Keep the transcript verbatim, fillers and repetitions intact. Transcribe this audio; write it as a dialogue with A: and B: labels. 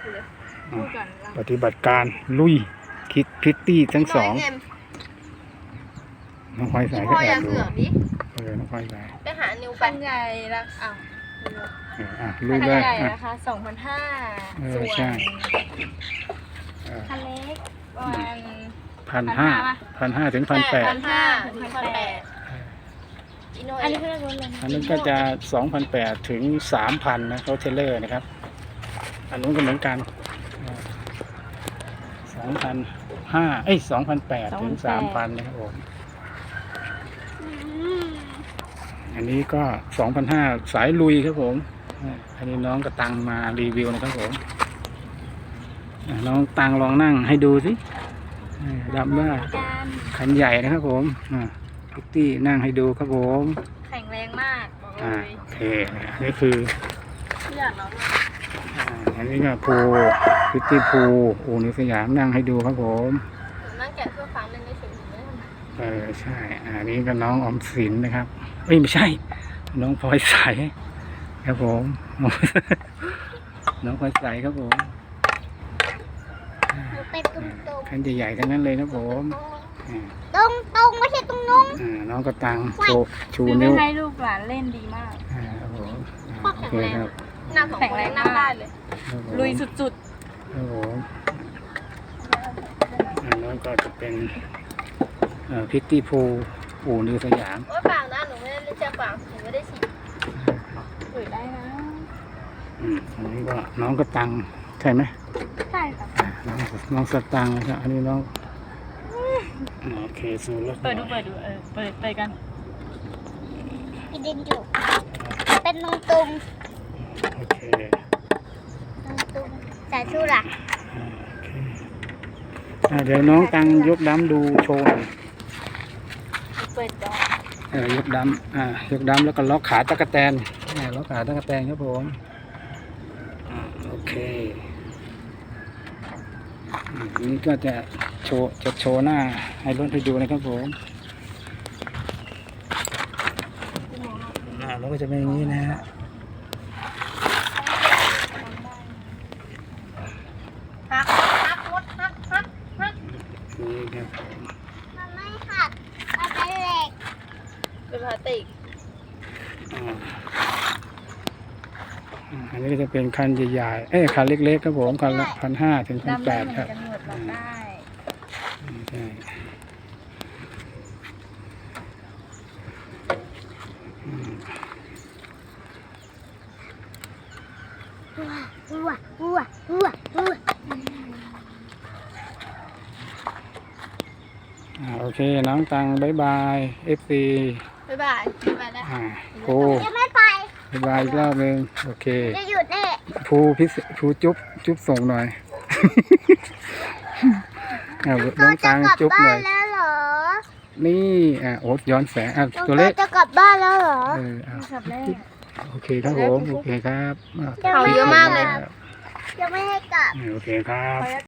A: พูดก่อนปฏิบัติการลุยคิดพิตตี้ทั้งสองน้องพลอยสายก็แอบดูเออน้องพลอยสาย
B: ไปหานิว
C: คันใหญ่ละอ้าว
A: เอออ่ะลุยเล
C: คั
A: ย
C: นใหญ่
A: อ่ะ
C: นะคะสองพันห้า
A: เออ
C: ส่วน
A: ใช่เออ
C: คันเล็กประมาณ
A: พันห้าพันห้าถึงพันแปด
C: พันห้าถึงพันแปดอันนี้คือรถเลย
A: อันนั้นก็จะสองพันแปดถึงสามพันนะรถเทรลเลอร์นะครับอันนู้นก็เหมือนกันสองพันห้าเอ้ยสองพันแปดถึงสามพันนะครับผมอันนี้ก็สองพันห้าสายลุยครับผมอันนี้น้องกระตังมารีวิวนะครับผมน้องตังลองนั่งให้ดูสิดำว่าคันใหญ่นะครับผมพิตตี้นั่งให้ดูครับผม
C: แข็งแรงมาก
A: อ่าโอเคนี่คืออันนี้ก็ภูพิตตี้ภูอู่นิสยามนั่งให้ดูครับผม
B: นั่งแกะเพื่อฟังเล่นได้เฉยๆ
A: เออใช่อันนี้ก็น้องออมสินนะครับเอ้ยไม่ใช่น้องพลอยใสครับผมน้องพลอยใสครับผมคันใหญ่ๆทั้งนั้นเลยครับผม
B: ตรงตรงไม่ใช่ตรงนู้น
A: น้องกระตังโชว์ชู
C: นิ้
A: นิ้ว
C: ให้ลูกหลานเล่นดีมาก
A: ครับผม
B: โอเคครับนั่งของคนนั่งได้เลย
C: ลุยสุด
A: ๆครับผมอันนั้นก็จะเป็นพิตตี้พูอู่นิวสยาม
B: โอ้ยเปล่านะหนูไม่ได้เล่นเชือกเปล่าหนูไม่ได้ฉีด
C: เปิดได้นะ
A: อืมอันนี้ก็น้องกระตังใช่ไหม
C: ใช่ค่ะ
A: น้องน้องสตังนะครับอันนี้น้องโอเคสูรถ
C: เปิดดูเปิดดูเออเปิดเปิดกัน
B: กินดินอยู่เป็นตรงตรง
A: โอเค
B: ตรงตรงแต่ชูหลัก
A: เดี๋ยวน้องตังยกดำดูโชว์
C: เปิดจอ
A: เออยกดำอ่ายกดำแล้วก็ล็อกขาตะกแตนล็อกขาตะกแตนครับผมโอเคนี่ก็จะโชว์จะโชว์หน้าให้รถให้ดูนะครับผมหน้ารถก็จะเป็นอย่างนี้นะฮะ
B: ฮักฮักรถฮักฮักฮัก
A: นี่ครับ
B: มันไม่หักมันเป็นเหล็กเป็นพลาสติก
A: อันนี้ก็จะเป็นคันใหญ่ๆเอ้ยคันเล็กๆครับผมคันละพันห้าถึงพันแปดครับใช่
B: วัววัววัววัว
A: โอเคน้องตังบายบายเอฟซี
B: บายบายไปแล้ว
A: ภู
B: จะไม่ไป
A: บายบายอีกรอบนึงโอเค
B: จะหยุดแน่
A: ภูพิภูจุ๊บจุ๊บส่งหน่อยน้องตังจุ๊บหน่อย
B: แล้วเหรอ
A: นี่อ่ะโอ๊ตย้อนแสงอ่ะตัวเล็ก
B: จะกลับบ้านแล้วเหรอ
A: เออโอเคครับผมโอเคครับ
B: เขาเยอะมากเลยยังไม่ให้กลับ
A: โอเคครับ